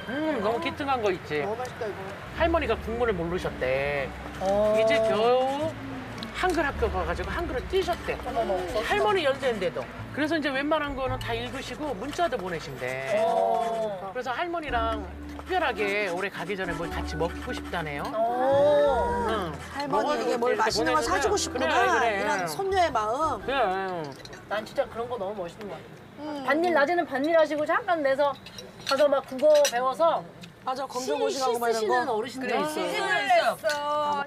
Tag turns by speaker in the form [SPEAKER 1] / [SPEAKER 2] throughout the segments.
[SPEAKER 1] 너무 기특한 거 있지.
[SPEAKER 2] 너무 맛있다 이거.
[SPEAKER 1] 할머니가 국문을 모르셨대. 이제 겨우 한글 학교 가가지고 한글을 띄셨대. 할머니 연세인데도. 그래서 이제 웬만한 거는 다 읽으시고 문자도 보내신대. 그래서 할머니랑 특별하게 올해 가기 전에 뭘 같이 먹고 싶다네요. 응.
[SPEAKER 2] 할머니에게 뭘
[SPEAKER 1] 이렇게
[SPEAKER 2] 맛있는 걸 사주고 싶구나.
[SPEAKER 1] 그래, 그래.
[SPEAKER 2] 이런 손녀의 마음.
[SPEAKER 1] 그래.
[SPEAKER 3] 난 진짜 그런 거 너무 멋있는 것 같아. 반일 낮에는 반일 하시고 잠깐 내서 가서 막 국어 배워서
[SPEAKER 2] 맞아,
[SPEAKER 3] 시
[SPEAKER 2] 검정고시하고 막 이런
[SPEAKER 3] 쓰시는
[SPEAKER 2] 거.
[SPEAKER 3] 어르신들이 있어요.
[SPEAKER 4] 했어.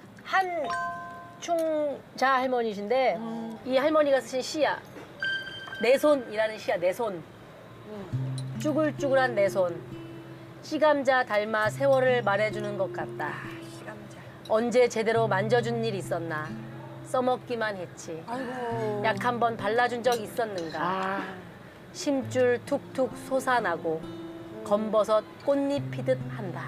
[SPEAKER 3] 한충자 할머니신데 이 할머니가 쓰신 시야. 내 손이라는 시야, 내 손. 쭈글쭈글한 내 손. 씨감자 닮아 세월을 말해주는 것 같다. 언제 제대로 만져준 일 있었나. 써먹기만 했지.
[SPEAKER 2] 아이고.
[SPEAKER 3] 약 한 번 발라준 적 있었는가.
[SPEAKER 1] 아,
[SPEAKER 3] 심줄 툭툭 솟아나고 검버섯 꽃잎 피듯 한다.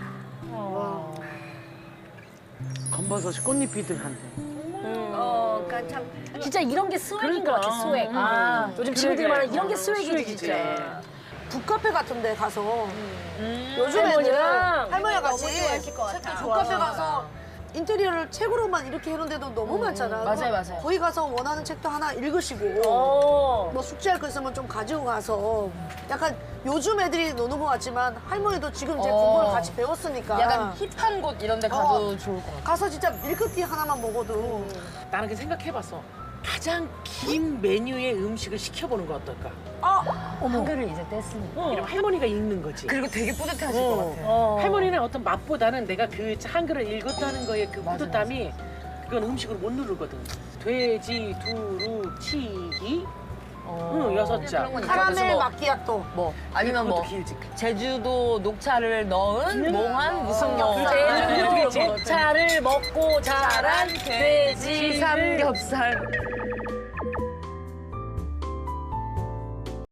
[SPEAKER 1] 검버섯이 꽃잎이든 한데.
[SPEAKER 4] 그러니까 참.
[SPEAKER 3] 진짜 이런 게 스웩인 것 같아, 스웩. 요즘 친구들이 말하는 이런 게 스웩이지, 진짜.
[SPEAKER 2] 북카페 같은 데 가서 요즘에는
[SPEAKER 3] 할머니랑
[SPEAKER 2] 할머니가
[SPEAKER 4] 너무
[SPEAKER 2] 같이
[SPEAKER 4] 좋아하실 것 같아.
[SPEAKER 2] 북카페 가서 인테리어를 책으로만 이렇게 해놓은 데도 너무 많잖아.
[SPEAKER 4] 맞아요, 맞아요.
[SPEAKER 2] 거기 가서 원하는 책도 하나 읽으시고
[SPEAKER 3] 어.
[SPEAKER 2] 뭐 숙제할 거 있으면 좀 가지고 가서 약간 요즘 애들이 노는 것 같지만 할머니도 지금 이제 공부를 같이 배웠으니까
[SPEAKER 4] 약간 힙한 곳 이런 데 가도 좋을 것 같아.
[SPEAKER 2] 가서 진짜 밀크티 하나만 먹어도
[SPEAKER 1] 나는 그 생각해봤어. 가장 긴 메뉴의 음식을 시켜보는 거 어떨까?
[SPEAKER 3] 한글을 이제 뗐으니까.
[SPEAKER 1] 이러면 할머니가 읽는 거지.
[SPEAKER 4] 그리고 되게 뿌듯하실 것 같아.
[SPEAKER 1] 할머니는 어떤 맛보다는 내가 그 한글을 읽었다는 거에 그 뿌듯함이 그건 음식으로 못 누르거든. 돼지, 두루, 치기, 응, 6자.
[SPEAKER 2] 카라멜 마키아또
[SPEAKER 4] 뭐 아니면 뭐
[SPEAKER 1] 그것도 길지.
[SPEAKER 4] 제주도 녹차를 넣은 몽환 무슨 뭐
[SPEAKER 3] 제주도 녹차를 먹고 자란 돼지
[SPEAKER 4] 삼겹살